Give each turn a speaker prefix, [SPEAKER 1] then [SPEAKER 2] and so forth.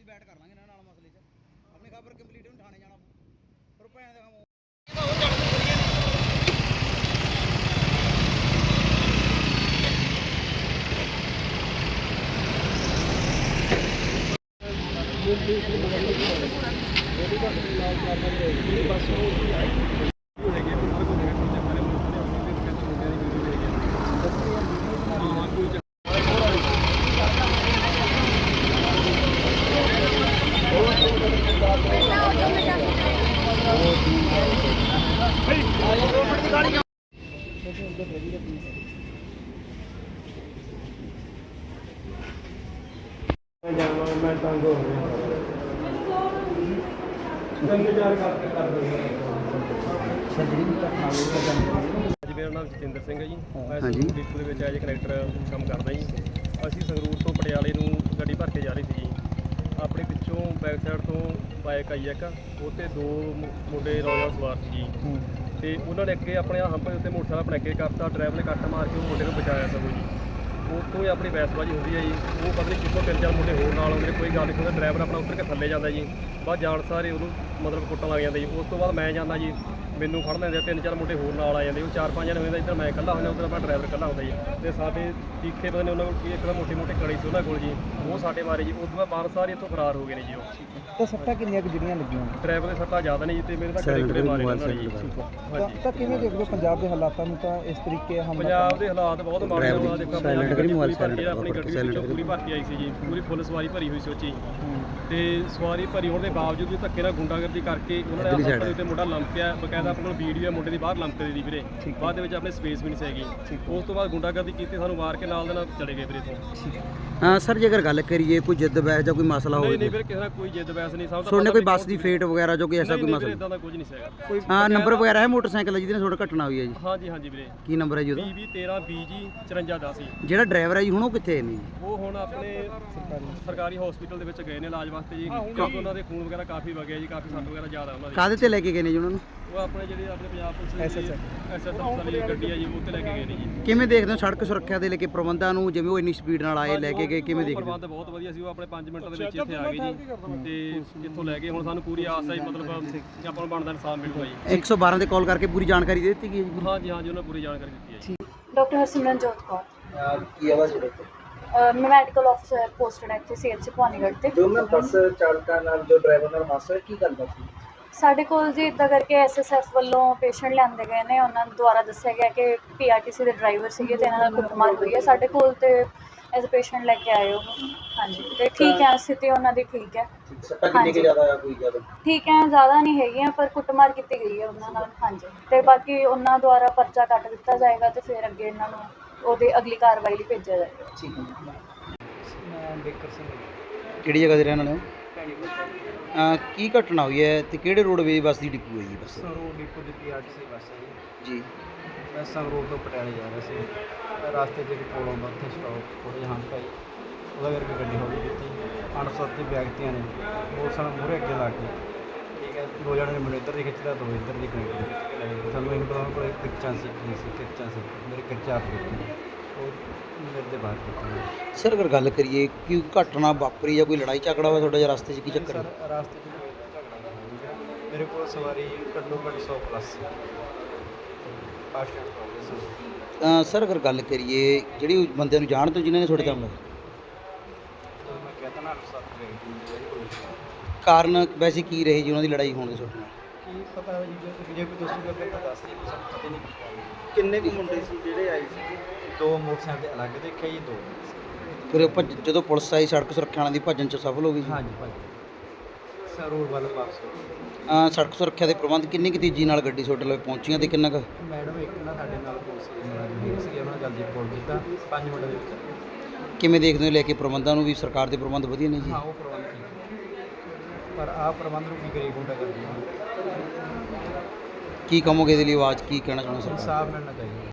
[SPEAKER 1] ਦੀ ਬੈਠ ਕਰ ਲਾਂਗੇ ਇਹਨਾਂ ਨਾਲ ਮਸਲੇ 'ਚ। ਆਪਣੀ ਖਬਰ ਕੰਪਲੀਟ ਨੂੰ ਥਾਣੇ ਜਾਣਾ ਪਰ ਭੈਣ ਦੇ ਕੰਮ मैं तंग हो गया
[SPEAKER 2] जी मेरा नाम जतिंदर सिंह है जी। मैं संगरूर डिपो ਦੇ ਵਿੱਚ ਐਜ ਕਨੈਕਟਰ ਕੰਮ ਕਰਦਾ ਜੀ। ਅਸੀਂ ਸੰਗरूर ਤੋਂ ਪਟਿਆਲੇ ਨੂੰ ਗੱਡੀ ਭਰ ਕੇ ਜਾ ਰਹੀ ਸੀ ਜੀ। ਆਪਣੇ ਪਿੱਛੋਂ ਬੈਕ ਸਾਈਡ ਤੋਂ ਬਾਈਕ ਆਈ ਇੱਕ, ਉਹ 'ਤੇ ਦੋ ਮੁੰਡੇ ਨੌਜਵਾਨ ਸਵਾਰ ਸੀ ਜੀ। ਤੇ ਉਹਨਾਂ ਨੇ ਅੱਗੇ ਆਪਣੇ ਹੰਪ ਦੇ ਉੱਤੇ ਮੋਟਰਸਾਈਕਲ ਆਪਣੇ ਅੱਗੇ ਕਰਤਾ, ਡਰਾਈਵਰ ਨੇ ਕੱਟ ਮਾਰ ਕੇ ਉਹ ਮੁੰਡੇ ਨੂੰ ਬਚਾਇਆ ਸਗੋਂ ਜੀ। ਉਹ ਤੋਂ ਹੀ ਆਪਣੀ ਬਹਿਸਬਾਜ਼ੀ ਹੁੰਦੀ ਹੈ ਜੀ। ਉਹ ਪਤਾ ਨਹੀਂ ਕਿੱਥੋਂ ਤਿੰਨ ਚਾਰ ਮੁੰਡੇ ਹੋਰ ਨਾਲ ਆਉਂਦੇ ਨੇ, ਕੋਈ ਗੱਲ ਨਹੀਂ ਸੁਣਦਾ। ਡਰਾਈਵਰ ਆਪਣਾ ਉੱਤਰ ਕੇ ਥੱਲੇ ਜਾਂਦਾ ਜੀ, ਬਾਅਦ ਜਾਣ ਸਾਰੇ ਉਹਨੂੰ ਮਤਲਬ ਕੁੱਟਣ ਲੱਗ ਜਾਂਦੇ ਜੀ। ਉਸ ਤੋਂ ਬਾਅਦ ਮੈਂ ਜਾਂਦਾ ਜੀ, ਮੈਨੂੰ ਫੜ ਲੈਂਦੇ, ਤਿੰਨ ਚਾਰ ਮੁੰਡੇ ਹੋਰ ਨਾਲ ਆ ਜਾਂਦੇ। ਉਹ ਚਾਰ ਪੰਜ ਜਣੇ ਹੁੰਦੇ, ਇੱਧਰ ਮੈਂ ਇਕੱਲਾ ਹੁੰਦਾ, ਉੱਧਰ ਆਪਣਾ ਡਰਾਈਵਰ ਇਕੱਲਾ ਹੁੰਦਾ ਜੀ। ਅਤੇ ਸਾਡੇ ਤੀਖੇ ਪਤਾ ਨਹੀਂ ਉਹਨਾਂ ਕੋਲ ਕੀ ਇੱਕ ਤਾਂ ਮੋਟੀ ਮੋਟੀ ਕੜੀ ਸੀ ਉਹਨਾਂ ਕੋਲ ਜੀ, ਉਹ ਸਾਡੇ ਮਾਰੇ ਜੀ। ਉਸ ਤੋਂ ਬਾਅਦ ਬਾਹਰ ਸਾਰੇ ਇੱਥੋਂ ਫਰਾਰ ਹੋ ਗਏ ਨੇ ਜੀ। ਉਹ
[SPEAKER 1] ਤਾਂ ਸੱਟਾਂ ਕਿੰਨੀਆਂ ਕੁ ਜਿਹੜੀਆਂ ਲੱਗੀਆਂ?
[SPEAKER 2] ਡਰਾਈਵਰ ਦੇ ਸੱਟਾਂ ਜ਼ਿਆਦਾ ਨਹੀਂ ਜੀ, ਅਤੇ ਮੇਰੇ ਤਾਂ ਕੜੇ ਮਾਰੇ ਉਹਨਾਂ ਨੇ ਜੀ। ਹਾਂਜੀ,
[SPEAKER 1] ਤਾਂ ਕਿਵੇਂ ਦੇਖਦੇ ਪੰਜਾਬ ਦੇ ਹਾਲਾਤਾਂ ਨੂੰ? ਤਾਂ ਇਸ ਤਰੀਕੇ
[SPEAKER 2] ਪੰਜਾਬ ਦੇ ਹਾਲਾਤ ਬਹੁਤ ਮਾੜੇ ਹੋਏ। ਦੇਖੋ ਆਪਣੀ ਗੱਡੀ ਵਿੱਚੋਂ ਪੂਰੀ ਭਰਤੀ ਆਈ ਸੀ ਜੀ, ਪੂਰੀ ਫੁੱਲ ਸਵਾਰੀ ਭਰੀ ਹੋਈ ਸੀ ਉਹ 'ਚ ਜੀ। ਅਤੇ ਸਵਾਰੀ ਭਰੀ ਹੋਣ ਦੇ ਬਾਵਜੂਦ ਵੀ ਧੱਕੇ ਨਾਲ ਗੁੰਡਾਗਰਦੀ ਕਰਕੇ ਉਹਨਾਂ ਨੇ ਆਪਣੇ ਦੇ ਉੱਤੇ ਮੁੰਡਾ ਲੰਮਕਿਆ। ਬਕਾਇਦਾ ਆਪਣੇ ਕੋਲ ਵੀਡੀਓ ਹੈ ਮੁੰਡੇ ਦੀ ਬਾਹਰ ਲੰਮਕਦੇ ਦੀ ਵੀਰੇ। ਬਾਅਦ ਦੇ ਵਿੱਚ ਆਪਣੇ ਸਪੇਸ ਵੀ ਨਹੀਂ ਸੀਗੀ। ਉਸ ਤੋਂ ਬਾਅਦ ਗੁੰਡਾਗਰਦੀ ਕੀਤੀ, ਸਾਨੂੰ ਮਾਰ ਕੇ ਨਾਲ ਦੇ ਨਾਲ ਚਲੇ ਗਏ ਵੀਰੇ ਤੋਂ।
[SPEAKER 3] ਹਾਂ ਸਰ, ਜੇ ਅਗਰ ਗੱਲ ਕਰੀਏ ਕੋਈ ਜਿੱਦ ਬਹਿਸ ਜਾਂ ਕੋਈ ਮਸਲਾ ਹੋਵੇ?
[SPEAKER 2] ਨਹੀਂ ਵੀਰੇ, ਕਿਸੇ ਨਾਲ ਕੋਈ ਜਿੱਦ ਬਹਿਸ ਨਹੀਂ। ਸਭ
[SPEAKER 3] ਤੁਹਾਡੇ ਕੋਈ ਬੱਸ ਦੀ ਫੇਟ ਵਗੈਰਾ ਜੋ ਕੋਈ ਐਸਾ ਕੋਈ ਮਸਲਾ?
[SPEAKER 2] ਇਦਾਂ ਦਾ ਕੁਝ ਨਹੀਂ ਸੀਗਾ।
[SPEAKER 3] ਹਾਂ, ਨੰਬਰ ਵਗੈਰਾ ਹੈ ਮੋਟਰਸਾਈਕਲ ਜਿਹਦੇ ਨਾਲ ਤੁਹਾਡਾ ਘਟਨਾ ਹੋਈ ਹੈ ਜੀ?
[SPEAKER 2] ਹਾਂਜੀ ਹਾਂਜੀ ਵੀਰੇ।
[SPEAKER 3] ਕੀ ਨੰਬਰ ਹੈ ਜੀ ਉਹਦਾ?
[SPEAKER 2] 2013 BG 5410 ਜੀ।
[SPEAKER 3] ਜਿਹੜਾ ਡਰਾਈਵਰ ਹੈ ਜੀ ਹੁਣ ਉਹ ਕਿੱਥੇ ਨੇ?
[SPEAKER 2] ਉਹ ਹੁਣ ਆਪਣੇ ਸਰਕਾਰੀ ਹਸਪੀਟਲ ਦੇ ਵਿੱਚ ਗਏ ਨੇ ਇਲਾਜ ਵਾਸਤੇ ਜੀ, ਕਿਉਂਕਿ ਉਹਨਾਂ ਦੇ ਖੂਨ ਵਗੈਰਾ ਕਾਫੀ ਵਗਿਆ ਜੀ, ਕਾਫੀ ਸੱਟ ਵਗੈਰਾ ਜ਼ਿਆਦਾ ਉਹਨਾਂ ਦੀ।
[SPEAKER 3] ਕਾਹਦੇ ਤੇ ਲੈ ਕੇ ਗਏ ਨੇ ਜੀ ਉਹਨਾਂ ਨੂੰ?
[SPEAKER 2] ਉਹ ਆਪਣੇ ਜਿਹੜੇ ਆਪਣੇ ਪੰਜਾਬ ਪੁਲਿਸ ਦੀ SS ਵਾਲੀ ਗੱਡੀ ਹੈ ਜੀ, ਉਹ ਤੇ ਲੈ ਕੇ ਗਏ ਨੇ ਜੀ।
[SPEAKER 3] ਕਿਵੇਂ ਦੇਖਦੇ ਹੋ ਸੜਕ ਸੁਰੱਖਿਆ ਦੇ ਲੈ ਕੇ ਪ੍ਰਬੰਧਾਂ ਨੂੰ, ਜਿਵੇਂ ਉਹ ਇੰਨੀ ਸਪੀਡ ਨਾਲ ਆਏ ਲੈ ਕੇ ਗਏ, ਕਿਵੇਂ ਦੇਖਦੇ ਹੋ?
[SPEAKER 2] ਪ੍ਰਬੰਧ ਬਹੁਤ ਵਧੀਆ ਸੀ। ਉਹ ਆਪਣੇ 5 ਮਿੰਟਾਂ ਦੇ ਵਿੱਚ ਇੱਥੇ ਆ ਗਏ ਜੀ, ਤੇ ਇੱਥੋਂ ਲੈ ਕੇ ਹੁਣ ਸਾਨੂੰ ਪੂਰੀ ਆਸ ਹੈ ਮਤਲਬ ਆਪਾਂ ਨੂੰ ਬਣਦਾ ਇਨਸਾਫ ਮਿਲੂਗਾ ਜੀ।
[SPEAKER 3] 112 ਤੇ ਕਾਲ ਕਰਕੇ ਪੂਰੀ ਜਾਣਕਾਰੀ ਦੇ ਦਿੱਤੀ ਗਈ ਹੈ ਜੀ?
[SPEAKER 2] ਹਾਂਜੀ ਹਾਂਜੀ, ਉਹਨਾਂ ਪੂਰੀ ਜਾਣਕਾਰੀ ਦਿੱਤੀ ਹੈ ਜੀ।
[SPEAKER 4] ਡਾਕਟਰ ਹਰਸਿਮਰਨਜੋਤ ਕੌਰ।
[SPEAKER 1] ਕੀ ਆਵਾਜ਼ ਹੈ?
[SPEAKER 4] ਮੈਂ ਮੈਡੀਕਲ ਅਫਸਰ ਪੋਸਟਡ ਹੈ ਇੱਥੇ CH ਭਵਾਨੀਗੜ੍ਹ ਤੇ।
[SPEAKER 1] ਜੋ ਮੈਂ ਬੱਸ ਚਾਲਕਾਂ ਨਾਲ ਜੋ ਡਰਾਈਵਰ ਨਾਲ ਹਾਦਸਾ ਕੀ ਕਰਦਾ ਸੀ?
[SPEAKER 4] ਸਾਡੇ ਕੋਲ ਜੀ ਇੱਦਾਂ ਕਰਕੇ SSF ਵੱਲੋਂ ਪੇਸ਼ੈਂਟ ਲਿਆਂਦੇ ਗਏ ਨੇ। ਉਹਨਾਂ ਦੁਆਰਾ ਦੱਸਿਆ ਗਿਆ ਕਿ PRTC ਦੇ ਡਰਾਈਵਰ ਸੀਗੇ ਤੇ ਇਹਨਾਂ ਨਾਲ ਕੁੱਟਮਾਰ ਹੋਈ ਹੈ। ਸਾਡੇ ਕੋਲ ਤੇ ਐਜ਼ ਅ ਪੇਸ਼ੈਂਟ ਲੈ ਕੇ ਆਏ ਉਹ। ਹਾਂਜੀ, ਤੇ ਠੀਕ ਹੈ, ਸਥਿਤੀ ਉਹਨਾਂ ਦੀ ਠੀਕ ਹੈ।
[SPEAKER 1] ਸੱਟਾਂ ਕਿੰਨੀ ਕੁ ਜ਼ਿਆਦਾ ਆ? ਕੋਈ ਜ਼ਿਆਦਾ
[SPEAKER 4] ਠੀਕ ਹੈ, ਜ਼ਿਆਦਾ ਨਹੀਂ ਹੈਗੀਆਂ, ਪਰ ਕੁੱਟਮਾਰ ਕੀਤੀ ਗਈ ਹੈ ਉਹਨਾਂ ਨਾਲ। ਹਾਂਜੀ, ਤੇ ਬਾਕੀ ਉਹਨਾਂ ਦੁਆਰਾ ਪਰਚਾ ਕੱਟ ਦਿੱਤਾ ਜਾਏਗਾ ਤੇ ਫਿਰ ਅੱਗੇ ਇਹਨਾਂ ਨੂੰ ਉਹਦੀ ਅਗਲੀ ਕਾਰਵਾਈ ਲਈ ਭੇਜਿਆ ਜਾਏਗਾ।
[SPEAKER 1] ਠੀਕ ਹੈ। ਮੈਂ ਬੇਕਰ ਸਿੰਘ।
[SPEAKER 3] ਕਿਹੜੀ ਜਗ੍ਹਾ ਦੇ ਰਹਿਣ ਵਾਲੇ ਹੋ? ਕੀ ਘਟਨਾ ਹੋਈ ਹੈ ਤੇ ਕਿਹੜੇ ਰੋਡਵੇਜ਼ ਬੱਸ ਦੀ ਡਿਪੂ ਹੈ ਜੀ? ਬੱਸ
[SPEAKER 5] ਸੰਗਰੂਰ ਡਿਪੋ ਦੀ PRTC ਬੱਸ ਹੈ
[SPEAKER 3] ਜੀ।
[SPEAKER 5] ਮੈਂ ਸੰਗਰੂਰ ਤੋਂ ਪਟਿਆਲੇ ਜਾ ਰਿਹਾ ਸੀ। ਰਸਤੇ 'ਚ ਇੱਕ ਪੁਲ ਆਉਂਦਾ, ਉੱਥੇ ਸਟਾਪ ਥੋੜ੍ਹੇ ਜਿਹੇ ਹੰਪ ਆਈ, ਉਹਦਾ ਕਰਕੇ ਗੱਡੀ ਹੌਲੀ ਕੀਤੀ। ਅਣਪਛਾਤੇ ਵਿਅਕਤੀਆਂ ਨੇ ਮੋਟਰਸਾਈਕਲ ਮੂਹਰੇ ਅੱਗੇ ਲਾ ਕੇ, ਠੀਕ ਹੈ, ਦੋ ਜਣੇ ਨੇ ਮੈਨੂੰ ਇੱਧਰ ਦੀ ਖਿੱਚਦਾ, ਦੋ ਇੱਧਰ ਦੀ ਕਨੈਕਟ ਖਿੱਚ ਕੇ ਲੈ ਗਏ। ਤੁਹਾਨੂੰ ਇਹਨੂੰ ਪਤਾ ਕੋਲ ਕਿਰਚਾਂ ਸੀ, ਕੀ ਸੀ ਕਿਰਚਾਂ ਸੀ, ਮੇਰੇ ਕਿਰਚਾਂ ਆਪ ਦਿੱਤੀ, ਉਹ ਮੇਰੇ ਦੇ ਬਾਹਰ ਕੀਤੀ।
[SPEAKER 3] ਸਰ, ਅਗਰ ਗੱਲ ਕਰੀਏ ਕਿ ਘਟਨਾ ਵਾਪਰੀ ਜਾਂ ਕੋਈ ਲੜਾਈ ਝਗੜਾ ਹੋਇਆ ਤੁਹਾਡੇ ਜਾਂ ਰਸਤੇ 'ਚ, ਕੀ ਚੱਕਰ ਹੈ?
[SPEAKER 5] ਸਰ, ਰਸਤੇ 'ਚ ਕੋਈ ਝਗੜਾ ਨਹੀਂ ਹੋਇਆ। ਮੇਰੇ ਕੋਲ ਸਵਾਰੀ ਘੱਟੋ ਘੱਟ 100 ਪਲੱਸ ਸੀ। Fast and progress.
[SPEAKER 3] ਸਰ, ਅਗਰ ਗੱਲ ਕਰੀਏ ਜਿਹੜੀ ਬੰਦਿਆਂ ਨੂੰ ਜਾਣਦੇ ਹੋ ਜਿਨ੍ਹਾਂ ਨੇ ਤੁਹਾਡੇ ਕੰਮ
[SPEAKER 5] ਮੈਂ ਕਹਿੰਦਾ ਨਾ
[SPEAKER 3] ਕਾਰਨ ਵੈਸੇ ਕੀ ਰਹੇ ਜੀ ਉਹਨਾਂ ਦੀ ਲੜਾਈ ਹੋਣ ਦੇ ਤੁਹਾਡੇ ਨਾਲ?
[SPEAKER 5] ਕੀ ਪਤਾ ਹੈ ਜੀ, ਜੇ ਕੋਈ ਦੱਸੂਗਾ ਫਿਰ ਤਾਂ ਦੱਸ ਦੇ, ਸਾਨੂੰ ਪਤਾ ਨਹੀਂ।
[SPEAKER 1] ਕਿੰਨੇ ਕੁ ਮੁੰਡੇ ਸੀ ਜਿਹੜੇ ਆਏ ਸੀ?
[SPEAKER 5] ਦੋ ਮੋਟਰਸਾਈਕਲ ਦੇ ਅਲੱਗ ਦੇਖਿਆ ਜੀ, ਦੋ।
[SPEAKER 3] ਫਿਰ ਜਦੋਂ ਪੁਲਿਸ ਆਈ ਸੜਕ ਸੁਰੱਖਿਆ ਵਾਲਿਆਂ ਦੀ ਭੱਜਣ 'ਚ ਸਫਲ ਹੋ ਗਈ ਜੀ?
[SPEAKER 5] ਹਾਂਜੀ ਭਾਜੀ, ਸਰ ਰੋਡ ਵੱਲ ਵਾਪਸ ਹੋ ਗਏ।
[SPEAKER 3] ਸੜਕ ਸੁਰੱਖਿਆ ਦੇ ਪ੍ਰਬੰਧ ਕਿੰਨੀ ਕੁ ਤੇਜ਼ੀ ਨਾਲ ਗੱਡੀ ਤੁਹਾਡੇ ਲਈ ਪਹੁੰਚੀਆਂ ਤੇ ਕਿੰਨਾ ਕੁ?
[SPEAKER 5] ਮੈਡਮ ਇੱਕ ਨਾ ਸਾਡੇ ਨਾਲ ਪੁਲਿਸ ਮੁਲਾਜ਼ਮ ਸੀਗੇ, ਉਹਨਾਂ ਨੇ ਜਲਦੀ ਫੋਨ ਕੀਤਾ 5 ਮਿੰਟਾਂ ਦੇ ਵਿੱਚ।
[SPEAKER 3] ਕਿਵੇਂ ਦੇਖਦੇ ਹੋ ਲੈ ਕੇ ਪ੍ਰਬੰਧਾਂ ਨੂੰ ਵੀ? ਸਰਕਾਰ ਦੇ ਪ੍ਰਬੰਧ ਵਧੀਆ ਨੇ ਜੀ?
[SPEAKER 5] ਹਾਂ, ਉਹ ਪ੍ਰਬੰਧ ਠੀਕ, ਪਰ ਆਹ ਪ੍ਰਬੰਧ ਨੂੰ ਕੀ ਕਰੀਏ, ਗੁੰਡਾ ਕਰਦੀ
[SPEAKER 3] ਕੀ ਕਹੋਗੇ ਇਹਦੇ ਲਈ? ਆਵਾਜ਼ ਕੀ ਕਹਿਣਾ ਚਾਹੁੰਦੇ ਸਰ?
[SPEAKER 5] ਇਨਸਾਫ ਮਿਲਣਾ ਚਾਹੀਦਾ।